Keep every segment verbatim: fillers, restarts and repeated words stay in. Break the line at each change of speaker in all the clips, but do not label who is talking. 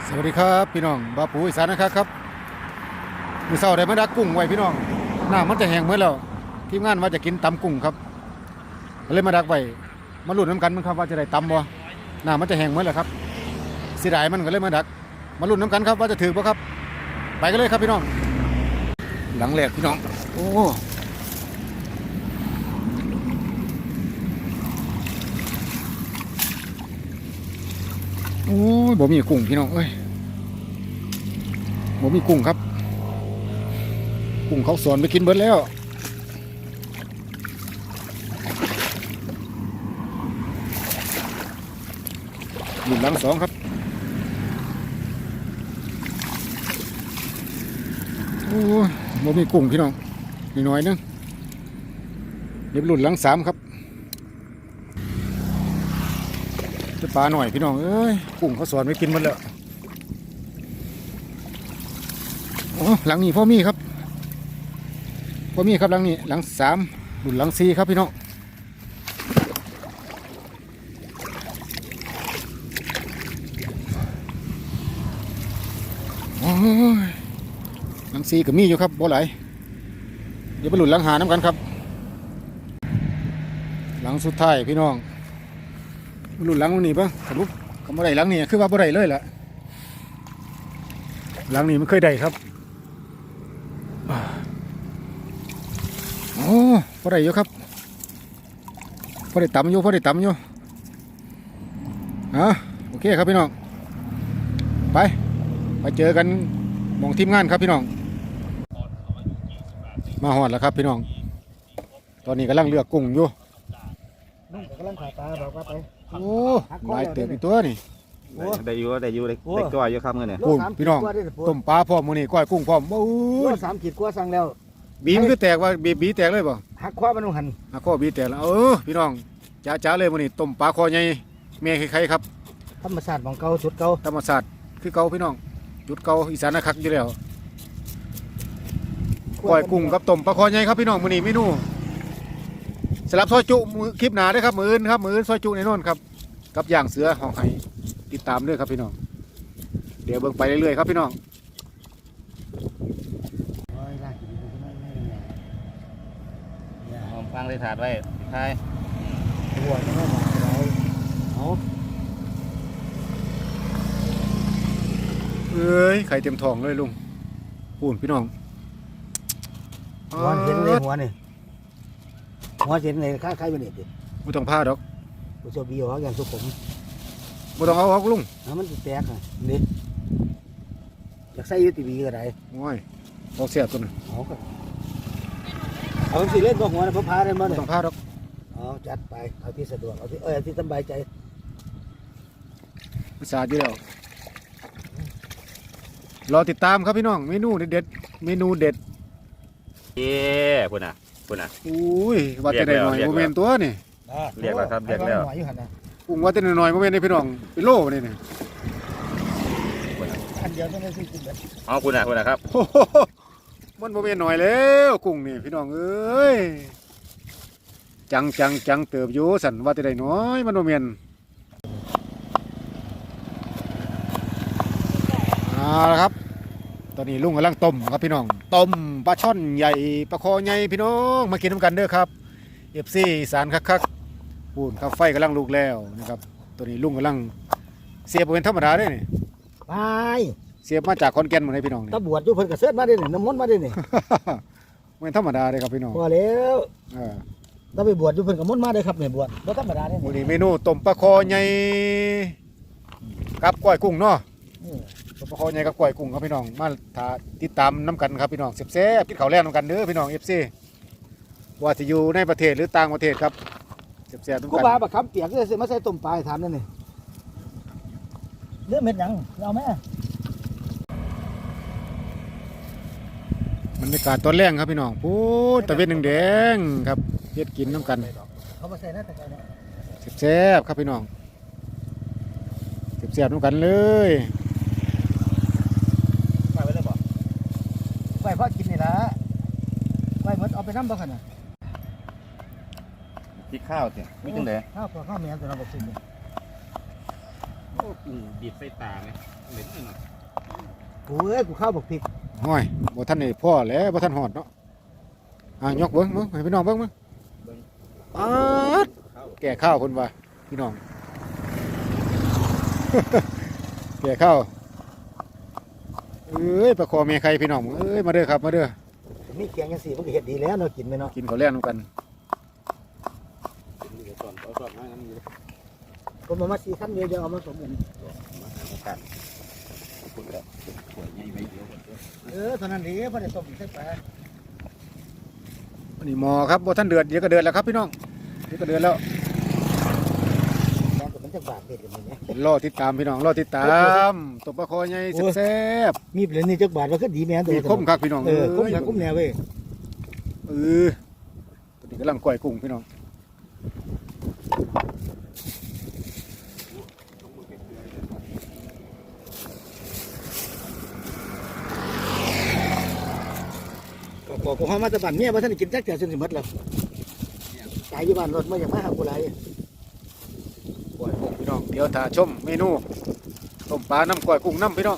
สวัสดีครับพี่น้องบาปูอีสานนะครับครับมือเศร้าได้มาดักกุ้งไว้พี่น้องหน้ามันจะแห้งเมื่อแล้วทีมงานว่าจะกินตำกุ้งครับเลยมาดักไว้มาลุ้นน้ำกันมั้งครับว่าจะได้ตำบ่หน้ามันจะแห้งเมื่อแล้วครับเสียดายมันก็เลยมาดักมาลุ้นน้ำกันครับว่าจะถือบ่ครับไปกันเลยครับพี่น้องหลังแรกพี่น้องโอ้โอ้ยบ่มีกุ้งพี่น้องเอ้ยบ่มีกุ้งครับกุ้งเขาสอนไปกินเบิดแล้วหลุมหลังสองครับโอ้ยบ่มีกุ้งพี่น้องนิดหน่อยนึงเดี๋ยวหลุมหลังสามครับจะปลาหน่อยพี่น้องเอ้ยกุ้งเขาสอนไปกินหมดแล้วโอ้หลังนี้พ่อมีครับพ่อมีครับหลังนี้หลังสามหลุนหลังสี่ครับพี่น้องโอ้ยหลังสี่ก็มีอยู่ครับบ่ไหลเดี๋ยวไปหลุนหลังหาน้ำกันครับหลังสุดท้ายพี่น้องหลุนหลังนี้ป่ะสรุปก็บ่ได้หลังนี้คือว่าบ่ได้เลยแหละหลังนี้มันเคยได้ครับโอ้พอได้อยู่ครับพอได้ต่ำอยู่พอได้ต่ำอยู่อ่ะโอเคครับพี่น้องไปไปเจอกันมองทีมงานครับพี่น้องมาหอดแล้วครับพี่น้องตอนนี้กำลังเลือกกุ้งอยู่
นุ่งกำลังขาตาบอกว่าไป
โอ้ลายเติบอีกตัวนี่
ได้อยู่ได้อยู่ได้ได้ก้อยอยู่ครับเงินเนี่ย
กุ้งพี่น้องต้มปลาพร้อมมื้อนี้ก้อยกุ้งพร้อมโอ้ย
สามขีดกว่าสั่งแล้ว
บีมันคือแตกว่าบีบีแตกเลยป่ะ
หักคว้ามันหัน
หักข้อบีแตกแล้วเออพี่น้องจ้าจ้าเลยมื้อนี้ต้มปลาคอใหญ่แม่ใครๆครับ
ธรรมศาสตร์ของเก่าสุดเก่า
ธรรมศาสตร์คือเก่าพี่น้องจุดเก่าอีสานคักอยู่แล้วก้อยกุ้งกับต้มปลาคอใหญ่ครับพี่น้องมื้อนี้เมนูสลับซอยจุมือคลิปหนาด้วยครับมืออื่นครับมืออื่นซอยจุในโน่นครับกับย่างเสือห้องไห้ติดตามด้วยครับพี่น้องเดี๋ยวเบิ่งไปเรื่อยๆครับพี่น้อง
หอมฟังเลยถาดไว้ใช่
หัวจะไม่หมดเราเอา
เอ้ยไข่เต็มท้องเลยลุงปูนพี่น้อง
หัวเห็นเลยหัวนี่หัวเห็นเลยค่าใครเป็นเด็ด
ไม่ต้องพาดอก
ผู้ชมบีหัวอย่างสุขุม
ไม่ต้องเอาออกลุง
มันจะแตกอ่ะนี่อยากใส่ยูทีบีก็ได้
โอ้ยเอาเสียบตัวนึง
เอาก็เอาสิเล่นตัวหัวนะพพาได้มั้ย
ไม่ต้องพาดอก
อ๋อจัดไปเอาที่สะดวกเอาที่เออที่สบายใจ
ภาษาอยู่แล้วรอติดตามครับพี่น้องเมนูเด็ดๆเมนูเด็ด
เย้คุณอ่ะคุณอ่ะ
อุ้ยว่าแต่หน่อยโมเมนต์ตัวนี่
เรียกแล้วครับเรียกแล้ว
กุ้งว่าแต่หน่อยโมเมนต์ในพี่น้องเป็นโล่นี่นี่
อันเดียวต้องได้ซื้อกินแบบ
อ๋อคุณอ่ะคุณอ่ะครับ
มันโมเมนต์หน่อยแล้วกุ้งนี่พี่น้องเอ้ยจังจังจังเติบอยู่สันว่าแต่ได้น้อยมันโมเมนต์เอาละครับตอนนี้ลุงกำลังต้มครับพี่น้องต้มปลาช่อนใหญ่ปลาคอใหญ่พี่น้องมากินน้ำกันเด้อครับเอฟซีสารคักคักปูนข้าวไฟกำลังลุกแล้วนะครับตัวนี้ลุงกำลังเสียบเป็นธรรมดาได้นี่
ไป
เสียบมาจากคอนแก่นหมดเลยพี่น้อง
ตะบวชอยู่เพิ่นกระเซิร์มาได้นี่น้ำมนต์มาได้นี่
เป็นธรรมดาเลยครับพี่น้อง
พอแล้วต้องไปบวชอยู่เพิ่นกระมนต์มาได้ครับเนี่ยบวชบ่ธรรมดาเนี่ย
วันนี้เมนูต้มปลาคอใหญ่กับก้อยกุ้งเนาะต้มปลาคอใหญ่กับก้อยกุ้งครับพี่น้องมาติดตามน้ำกันครับพี่น้องเสียบๆกินข้าวแล่นน้ำกันเด้อพี่น้องเอฟซีว่าจะอยู่ในประเทศหรือต่างประเทศครับเสียบๆทุก
กันกูบาบักคำเปียกเลยมาใส่ต้มปลาถามนั่นนี่เลือดเม็ดยังเอาไหม
บรรยากาศตอนแรกครับพี่น้องพูดตะเวนแดงๆครับเฮ็ดกินน้ำกัน
เขามาใส่หน้าตะไคร้เนี่ย
เสียบๆครับพี่น้องเสียบๆน้ำกันเลย
ไปไว้เลยบ่ไปเพราะกินนี่ละไปหมดเอาไปน้ำบ่ขนาด
ที่ข้าวสิไม่จังเลย
ข้าวพอข้าวแม่ตัวเราบอกสิโอ้
กุ้งบีบใส่ตาไหมเหม็นหน่อย
กูเอ้ยกูข้าวบักพริก
ห้อยบ่ทันได้พ่อแล้วบ่ทันฮอดเนาะอ่ะยกเบิ่งเบิ่งให้พี่น้องเบิ่งเบิ่งป๊าดแก่ข้าวเพิ่นว่าพี่น้อง แก่ข้าวเอ้ยปลาคอเมียใครพี่น้องเอ้ยมาเด้อครับมาเด้อ
มีแกงจังซี่มันก็เฮ็ดดีแล้วเนาะกินไหมเนาะ
กินข้าวแล่นกัน
เดี๋ยวก่อนเอาก่อนให้น้ำมี
ก็มามาสี่ขั้นเดียวจะเอามาสมกัน
มาหากันคุณแล้วสวยใหญ่ใบเดียวกันด้วย
เออเท่านั้นเองพอได้ต้มใส่ปลา
อันนี้หมอครับบ่ทันเดือดเดี๋ยวก็เดือดแล้วครับพี่น้องเดี๋ยวก็เดือดแล้ว
แกงก็มันจะบาดเด็ดอย่างนี้
รอติดตามพี่น้องรอติดตามตบปลาคอใหญ่แซ่บ
มีเปลือกนี่จักบาทว่าก็ดีแม่น
ๆ
ตัว
มีคมครับพี่น้อง
เออคุ้ม
เอ้ย
นะคุ้มแนวเว้ย
เออตอนนี้กำลังก้อยกุ้งพี่น้อง
ก็บอกกูหามาแตะบันเมียบ่ทันได้กินจักเทื่อจนสิหมดแล้วตายอยู่บ้านรถมาอยากมาหากูหลาย
ก้อยกุ้งพี่น้องเดี๋ยวถ้าชมเมนูต้มปลาน้ำก้อยกุ้งน้ำพี่น้อง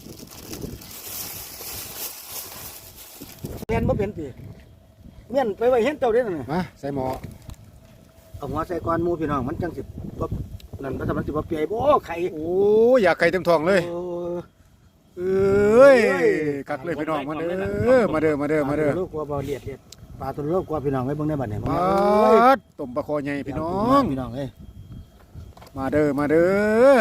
แม่นบ่เป็นติเมียนไปไว้เห็นเจ้าเด้อนั่นน่ะ
มาใส่หม้อ
เอาหัวใส่ก้อนหมูพี่น้องมันจังสิบ่นั่นมันจะมันสิบ่เปียบ่ไข่
โอ้ยอยากไข่เต็มท้องเลย
โอ้
เอ้ยกักเลยพี่น้องมาเด้อมาเด้อมาเด้อมาเด้อ
ลูกกลัวบ่เลียดเลียดปลาตัวโลกกลัวพี่น้องไว้เบิ่งในบัดนี้
มาดต้มปลาคอใหญ่พี่น้อง
พี่น้องเอ้ย
มาเด้อมาเด้อ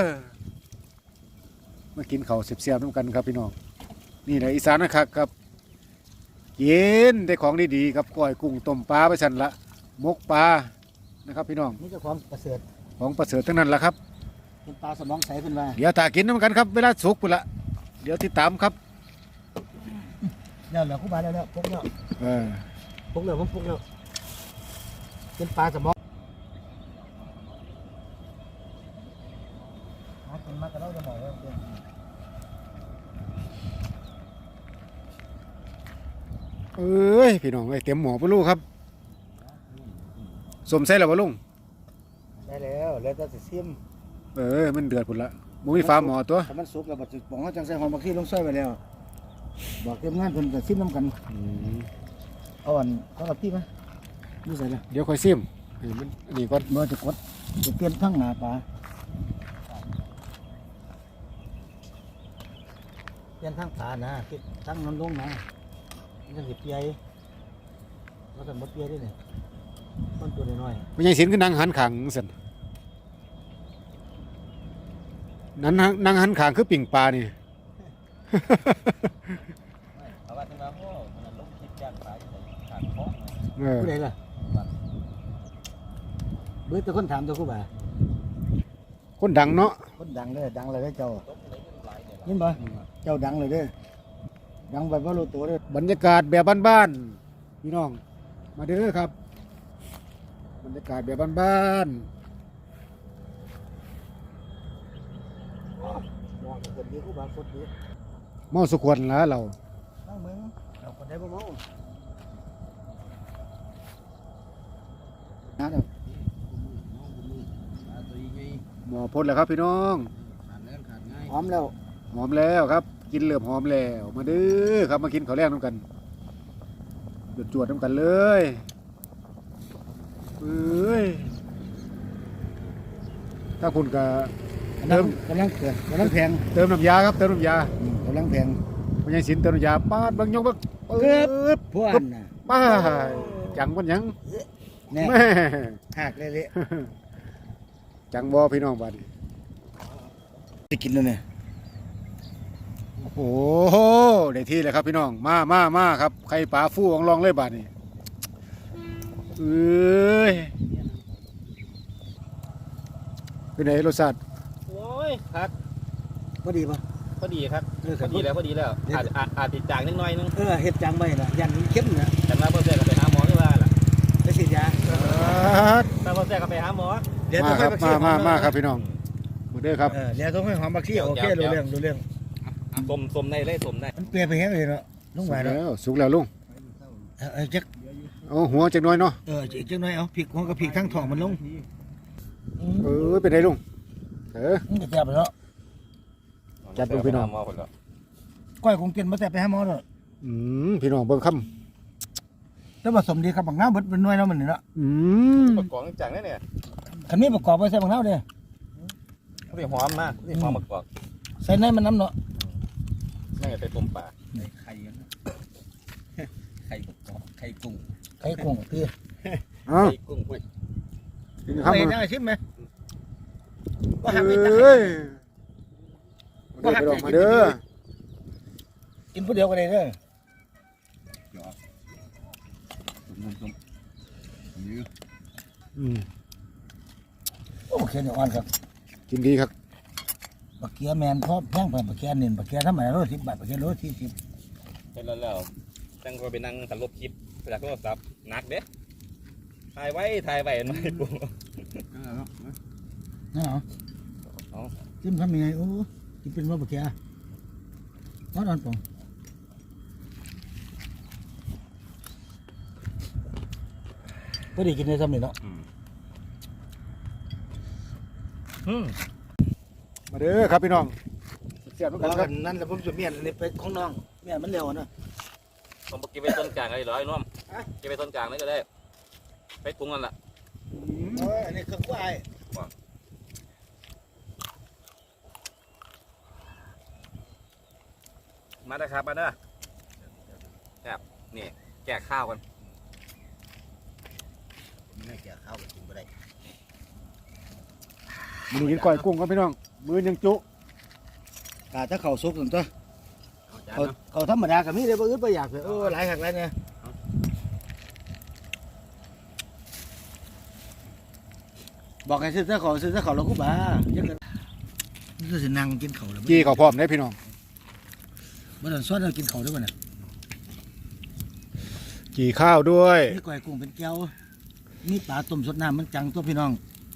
มากินข้าวเสียบๆน้ำกันครับพี่น้องนี่แหละอีสานนะครับครับกินได้ของดีๆครับก้อยกุ้งต้มปลาไปสั่นละมกปลานะครับพี่น้อง
นี่เจ้าของประเสริฐ
ของประเสริฐทั้งนั้นละครับ
เป็นปลาสมองใสเพิ่นว่า
เดี๋ยวตากินน้ำกันครับเวลาสุกพุ่นละเดี๋ยวติดตามครับ
แล้วแล้วครูบาแล้วแล้วปลุกแล้ว
เออ
ปลุกแล้วผมปลุกแล้วเป็นปลาสมองหากินมากระเล่าจะบอกว่าเป็น
เอ้ยพี่น้องเอ้ยเต็มหมอปลูกครับสมใส่แล้วบ่ลุง
ได้แล้วแล้วก็สิซิม
เออมันเดือดพุ่นละมุ้ยฟ้าหมอตัว
ถ้ามันสุกแล้วบัดสิบอกเฮาจังใส่หอมบักชีลงซอยไว้แล้วบอกเตรียมงานเพิ่นก็ซิมนํกัน
อืม
เอาอันเอากับพี่มาดูใส่ละ
เดี๋ยวค่อยซิมให้มันอันนี้ก่อน
บ่จะกดจะเปลี่ยนทั้งหน้าปลาเปลี่ยนทั้งขานะคิดทั้งน้ำลงนะมันจะสิเปียเราจะบ่เปียได้นี่มันตัวน้อย
มันยังสินก็นั่งหันขางสั่นนั้นนั่งหันขางคือปิ่งปลานี่
เอาว่าถึงว่าโอ้มันลงคลิปย่างปลาอยู่ขาดคอ
เออ
ผู้ใดล่ะเบิดแต่คนถามตัวครูบา
คนดังเนาะ
คนดังเลยดังเลยเด้อเจ้ายินบ่เจ้าดังเลยเด้อดังแบบว่ารู้ตัวเด้อบ
รรยากาศแบบบ้านๆพี่น้อง มาเด้อครับ บรรยากาศแบบบ้าน
มองคนดีครูบาคนดี
ๆเมาสุขวนละเรา
ตั้งมึงเราคนได้บ่เมานะเด้อ
ปลาตัวใหญ่
หมอพ่นแล้วครับพี่น้อง
ขาดแรงขาดง่าย
หอมแล้ว
หอมแล้วครับ กินเหลือบหอมแล้ว มาเด้อครับมากินข้าวแรงน้ำกันจวดๆน้ำกันเลยเอ้ยถ้าคุณก็
กำลังกำลังเกิดกำลังแพง
เติมน้ำยาครับเติมน้ำยา
อืมกำลังแพง
มันยังสินเติมน้ำยาปาดบางยกบัก
เกือบ
ปึ๊บ
พวกน่ะ
ป้าจังมันยัง
แน่
แม่
หักเละ
จังบอพี่น้องบัดนี้
ๆจะกินแล้วเนี่ย
โอ้โหได้ที่เลยครับพี่น้องมามามาครับไข่ปลาฟูของลองเลยบัดนี้เอ้ยเป็นไงรสชาติ
โอ้ยครับ
พอดีป่ะ
พอดีครับ
เออ
พอดีแล้วพอดีแล้วอาจอาจอาจติดจางนิดหน่อยนึง
เออเฮ็ดจังไปล่ะยันเข้มน่ะ
แต่มาเพื่อนก็ไปหาหมอที่ว่าล่ะ
ไปฉีดยา
ถ้าเพื่อนก็ไปหาหมอ
เดี๋ยว
มา
ต้อง
ค
ให้
รับ
บัก
มา
ชี
มามาครับพี่น้องมาเด้อครับ
เออเดี๋ยวต้องให้หอมบักชีโอเครู้เรื่องรู้เรื่อง
สมสมได้เลยสมได้
มันเปลี่ยนไปแฮงเลยเนาะลุงไหว
สุก
เนาะ
แล้วสุกแล้วลุง
เออเออจัก
เอาหัวจักหน้อยเนาะ
เออจักหน่อยเอาพริกหัวกับพริกทั้งท้องมันลง
เออเป็นไงลุงเออ
มันจะแซ่บเนาะ
จัดดูพี่น้อง
หมอคนละ
ก้อยคงกินมาแต่ไปหาหมอแล้ว
อืมพี่น้องเบิ่งค
แต่ว่าสมดีกับบักน้ำเบิดเป็นหน่วยเนาะมันนี่เนาะ
ำอืม
ประกอบจังเนี่ยเนี่ย
คันนี้ประกอบไว้ใส่บักน้ำเด้อ
เขาสิหอมมากเขาสิหอมประกอบ
ใส่ในมันน้ำเนาะ
แม่งไปต้มปลา
ไข่ไข่ประกอบไข่กุ้ง
ไข่กุ้งพี่
เอ้า
ไอ้กุ้งเว้ย
กิน
ไข่
คำ
ได้ชิมไหม
เอ้ยมาเด้อพี่น้องมาเด้อ
กินผู้เดียวก็ได้เด้อ
ต้มต้มยื้อ
อืม
โอ้เขียนอ่อนครับ
กินดีครับ
บักเกียแมนพอแพงไปบักเกียเน้นบักเกียทำไมรถสิบบาทบักเกียรถที่สิบ
เสร็จแล้วแล้วจังก็ไปนั่งตัดลบคลิปจากโทรศัพท์หนักเด้ถ่ายไว้ถ่ายไว้หน่อยปู
นั่นเหรอ
เอา
จิ้มทำยังไงโอ้กินเป็นว่าบักเกียนอนอ่อนป่องพอดีกินได้ซ้ำนี่เนาะ
อืม
มาเด้อครับพี่น้องเสียบด้วย
แล้
กั
วน
ครับ
นั่นแหละผมจะเมียนอันนี้ไปของน้องเมียนมันเร็วนะ
ผมบอกกินไปต้นกลางเลยเหรอไอ้น้อมกินไปต้นกลางนี่ก็ได้ไปกุ้งนั่นแหละ
อืม
เอออันนี้เครื่องกล้วย
มาได้อครับมาได้อครับนี่แกะข้าวกัน
ไม่แก่ข้าวกินไปได้
มันกินก้อยกุ้งครับพี่น้องมือยังจุ
กาถ้าเขาซุกถึงตัว
เอาจาน
เขา
เนาะ
เขาธรรมดากับมีเลยบ่อึดบ่อยากเลยโอ้หลายหักหลายเนี่ยบอกให้ซื้อเสื้อเขาซื้อเสื้อเขาแล้วกูบ้าเยอะเกินนี่คือสินั่งกินเขาแล้ว
จีเขาพร้อมได้พี่น้อง
บ่ต้องซ้อนเรากินเขาด้วยมันน่ะ
จีข้าวด้วย
มีก้อยกุ้งเป็นแก้วมีปลาต้มสดน้ำมันจังตัวพี่น้อง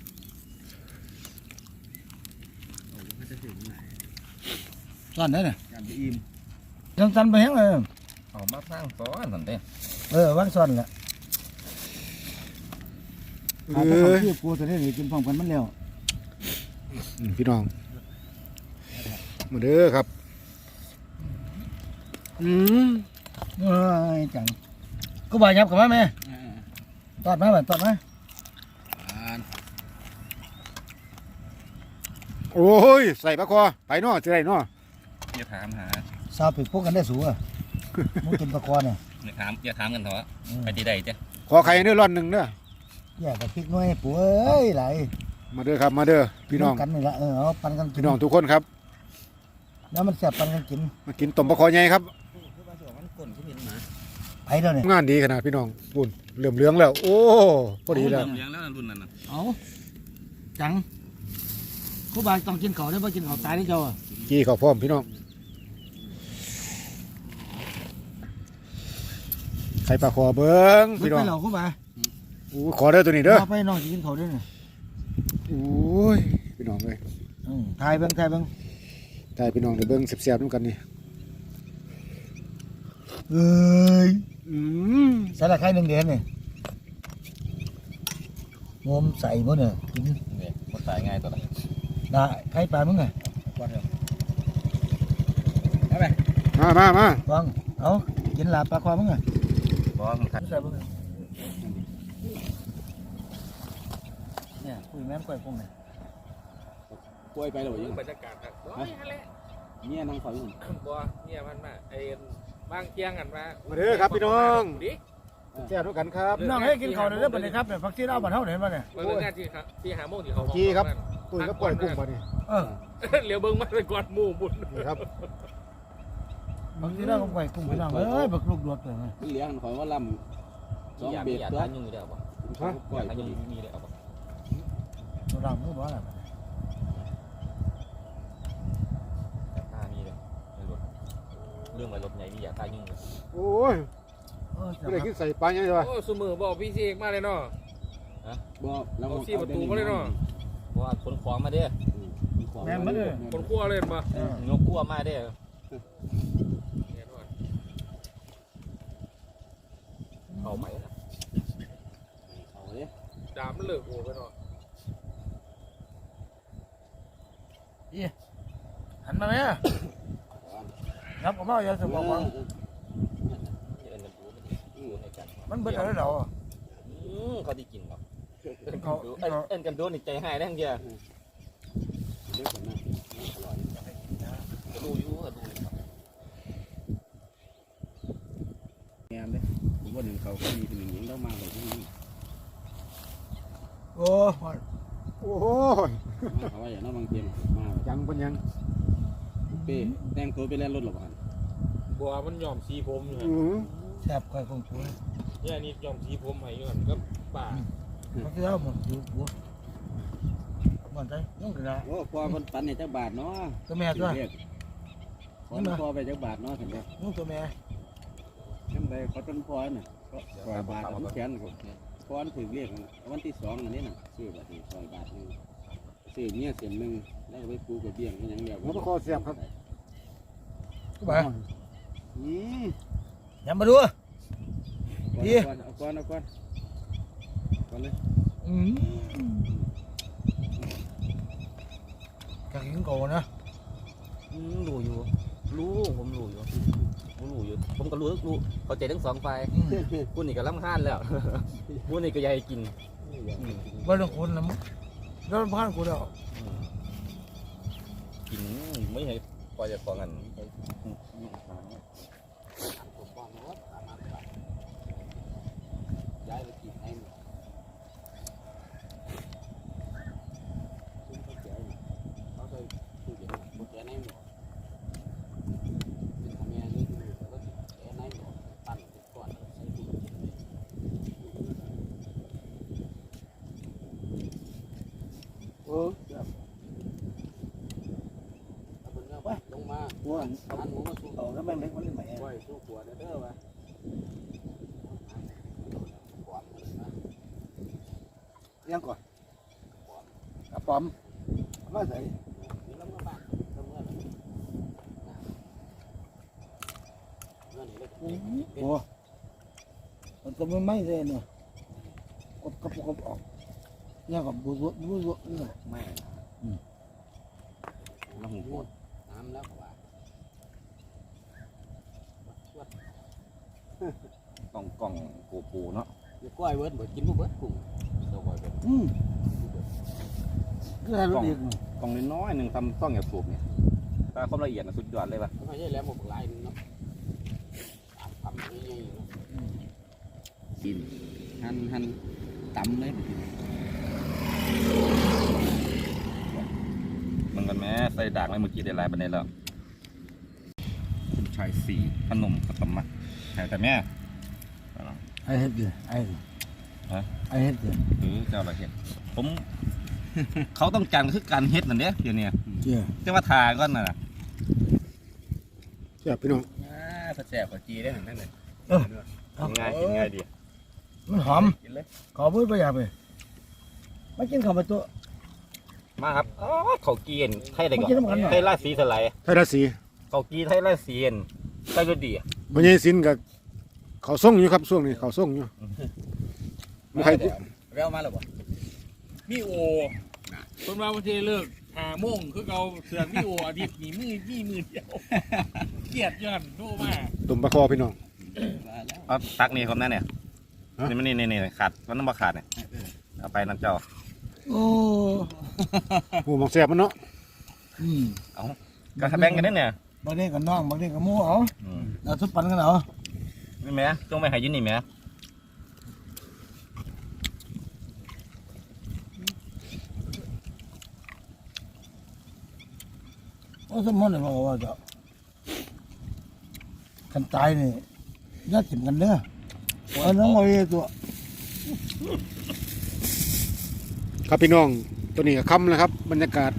มันจะถึงไหน
ซ้อนได้น่ะ
การไปอิ่ม
สั้นๆไปแฮงเลย
เอามาสร้างซ้อนสันเด้
เออวางซ้อนแหละ
เอ
อาถ้าเขา
อ
ชื่อกูตัวนี้นี่กินพร้อมกันมันแล้ว
อืมพี่น้องมาเด้อครับอืม
เอ้ยจังกูบ่ายับกับมาแม่ตอดมาบ่ตอดมา
อ่าน
โอ้ยใส่ปลาคอไปเนาะจะได้เนาะ
อย่าถามหา
สาวไปพวกกันได้สูอ่ะมึงกินปลาคอเนี่ย
อย่าถามอย่าถามกันเถอะ
อืม
ไปที่ใดจ้ะ
ขอไข่เนื้อร่อนหนึ่งเด้อ
แย่กับพริกน้อยปู่เอ้ยไหลาย
มาเด้อครับมาเด้อพี่น้อง
กันนี่ละเออเอาปันกันกิน
พี่น้องทุกคนครับ
แล้วมันแซ่บปันกันกิน
มากินต้มปลาคอใหญ่ครับ
คือว่าสิว่ามันก้นขึ้นมา
ไปแล้วเนี่ย
งานดีขนาดพี่น้องปุ่นเหลื่อมเหลืองแล้ว โอ้พอดีแล้ว
เลี้ยงแล้วรุ่นนั้นน่ะ
เอาจังครูบาต้องกินเขาได้ป่ะกินเขาตายได้เจ้าอ่ะ
จีเขาพร้อมพี่น้องไข่ปลาคอเบิ้ง
ไม่
พี่น้
ไป
อง
หรอกครูบา
อู้ขอเด้อตัวนี้เด้อ
เอาไปน้องจะกินเขาด้วยเนี่ย
โอ้ยพี่น้องเลย
อืมทายเบิ้งทายเบิ้ง
ได้พี่น้องเดี๋ยวเบิ้งเสียบๆด้วยกันนี่
เอ้ย
อืม
ใส่ละไข่หนึ่งเดือนเนี่ยงมใส่บ่เนี่ยกิน
นี่มันตายง่ายตัวละ
ได้ไข่ปลามึงไง
ก้อนเดียว
มามามา
ฟังเอากินลาบปลาความึงไง
เพราะว่ามันขัด
ใส่บ่เนี่ยเนี่ยคุยแม่นกล้วยพวกเนี่ย
กล้วยไปหรือยัง
บรรยากาศแบบโอ้ยฮันแหละ
เนี่ยน้องเขาอยู่
บัวเนี่ยมันมาไอ้บางเกียงกันมา
มาเด้อครับพี่น้อง
ดิ
เสียบด้วยกันครับ
น้องให้กินเขาวเด้อบัดนี้ครับเนี่ยผักชีลาวบ้านเฮาเนี่ยเห็นบ่เนี่ย
เรื่องงานที่ครับที่หาโมงที่เขา
จีครับตุ้ยก็ปล่อยกุ้งมาดิ
เออ
เหลียวเบิ้งมาเลยก่อนหมู่บุญ
นี่ครับ
ผักชีลาวกับกล้วยกุ้งพี่น้องเอ้ยบักลูกดวดเลย
มันเลี้ยงขอยว่าลำสอง
อยาก
เบ็ด
อยาก
ตัว
ทานยุ่งอยู่แล้วป่ะ
กล้วย
ทาน
ตัว
ยุ่ง
นี้
มีเลยเอาป่ะ
ตัวดำมือบ่ล่ะ
อยากทานมีเลยไม่รู้เรื่องอะไรรถใหญ่มีอยากทานยุ่งเลย
โอ้ย
เออ
ไม่ได้กินใส่ปลาใหญ่เลยวะ
โอ้สมือบอกพี่เสกมาเลยเนาะ
บ่แล้ว
เอาซี่ประตูมาเลยเนาะ
เพราะว่าคนคล้องมาเด้อ
แม่นบ่เนี่ย
คนคั่วเล่นมา
เออ
ยกกั้วมาเด้อเข้าใหม่นะ
เอาเลย
ดามมันเลิกโอ้ไปเนาะ
หันมาไหมนับผมว่าอย่าสมองมันมันเบิดอะไรเหรอ
เขาที่กินหรอก
เขา
เอ็นกันโดนใจหายได้ทั้งเดียวดูอยู่ดู
งามเลยผมว่าหนึ่งเขาก็มีเป็นหนึ่งยิงแล้วมาแบบนี้
โอ้
โอ้ย
เขาว่าอย่างนั้นบางเทีมา
ยังเป็นยัง
เป้แต่งตัวไปเล่นรถหรอครับ
บัวมันยอมสีผมอยู่
อือ
แซ่บค่อยคงตัว
เนี่ยนี่ยอมสีผมให้อยู่หั่นก็ป่า
มันคือเอาหมดอยู่บัวมันใจยังกระ
โอ้พอมันปันในเจ้าบาทเนาะ
ตัวแม่ด้วย
ขอพอไปเจ้าบาทเนาะถึงได้
นุ่งตัวแม่
ยังไงเขาต้นพอน่ะซอยบาททุกแขนพอนถือเรียกวันที่สองอันนี้น่ะซื้อบาทซอยบาทนึงซื้อเมียเสียนหนึ่งแล้วไปปูกับเบี้ยงก็ยังเดียว
แล้วก็คอเสียบครับ
ก็ไป
อืม
ยำมาดู
เอาก้อนเอาก้อนก้อนเลย
อืมกังยิงโกนะ
รู้อยู่รู้ผมรู้อยู่ผมรู้อยู่ผมก็รู้รู้เข้าใจทั้งสองฝ่ายกูนี่ก็รำคาญแล้วกูนี่ก็อยากให้กิน
บ้านคนนะมั้งแล้วบ้านกูแล้ว
กินไม่ให้ปล่อยจากของกัน
ย้ายไปกินให้หมดเขาเคยพูดอย่างนี้พูดแกให้หมดเป็นทำงานนี่คือแล้วก็แกให้หมดปั่นก่อนใช้ตู้เออลงมาหัวหันหัวมาสู้เขาแล้วมันเล็กมันเลยใหม่ไว้สู้หัวเด้อวะยังก่อนกระป๋อมมาใส่โอ้มันก็ไม่ไม่เลยเนาะกบกบกบออกเนี่ยกับบูรุบูรุนี่ไม่แล้วหูปวดน้ำแล้วว่า
กล่องกล่องกูปูเนาะ
ก้อยเบิร์ดเบิร์ดกินพวกเบิร์ดกุ้งตัวก้อยเบิร์ดอืมก็ได้รสดี
กล่องน้อยๆหนึ่งทำต้องอย่างสูบเนี่ยถ้าความละเอียดนะสุดยอดเลยป่ะ
ไม่ใช่แล้วหมกลายนึงเนาะทำง่ายๆเนาะกินหั่นหั่นตำเลย
มันกันแม้ใส่ด่างไว้เมื่อกี้ได้หลายประเด็นแล้วชายสี่ขนมขนมมาแต่แม่
ไอ้เฮ็ดดิไอ้ไอ้เฮ็ดดิ
หรือเจ้าอะไรเห็ดผม เขาต้องการคือการเฮ็ดนั่นเด้เดี๋ยวนี้
เจ้า
จะว่าทาก็น่ะ
เสียบพี่น้อง
อ่าพระแสบกว่าจีได้เหมือนกันเลย
เออ
กินง่ายกินง่ายดี
มันหอม
กินเลย
ขอมือไปอยากไปไม่กินข้าวไปตัว
มาครับอ๋อเขากีนไทยได้ก่อ
มากินน้ำกันหน่อย
นไทยราศีสไลด์
ไทยราศี
เขากีไทยราศีนไทยรดี
บรรยายสินกับเขาส่งอยู่ครับช่วงนี้เขาส่งอยู่มีใคร
เรียวมาหรือเปล่า
มีโอคนมาวันที่เลิกหาโมงคือเราเสือกมีโออาทิตย์นี้มือมีมือเดียวเกลียดย้อนโน่มา
ตุ่มปลาคอพี่น้อง
เอาตักนี่ครับนั่นเนี่ย
ฮะ
นี่มันนี่นี่นี่ขาดมันต้องมาขาดเนี่ยเอาไปนั่นเจ้า
โอ้
หูหมองเสียบมันเนาะ
อืม
เอาก็แบ่งกันได้เนี่ย
บางทีกับน้องบางทีกับหมูเอา
อืม
เราทุบปันกันเอา
นี่แม่จงไปหายินนี่แม่
โอ้สมมติเลยบอกว่าจะกันตายนี่ยัดถิ่มกันเด้อเอาน้องเอาไอ้ตัว
ครับพี่น้องตัวนี้ก็ค่ำแล้วครับบรรยากาศ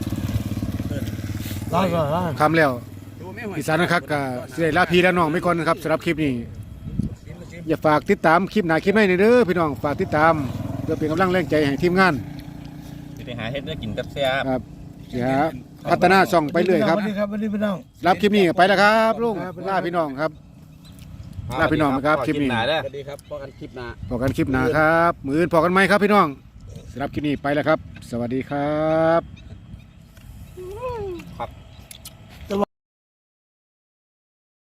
ไล่ก็ไล่
ค่ำแล้วอีสานนะครับก็เสียลาพี่และน้องไม่ก่อนนะครับสำหรับคลิปนี้อย่าฝากติดตามคลิปหน้าคลิปในเด้อพี่น้องฝากติดตามเพื่อเป็นกำลังแรงใจให้ทีมงาน
จะไปหาเฮ็ดเนื้อกินกับแซ่บ
ครับเสียพัฒนาช่องไปเรื่อยครับ
สวัสดีครับสวัสดีพี่น้อง
รับคลิปนี้ไปแล้วครับลุงลาพี่น้องครับ ลาพี่น้องนะครับคลิปนี้
หนาเด้อ
สวัสดีครับพบกันคลิปหน้า
พอกันคลิปหน้าครับมืออื่นพอกันไหมครับพี่น้องสำหรับคลิปนี้ไปแล้วครับ สวัสดีครับ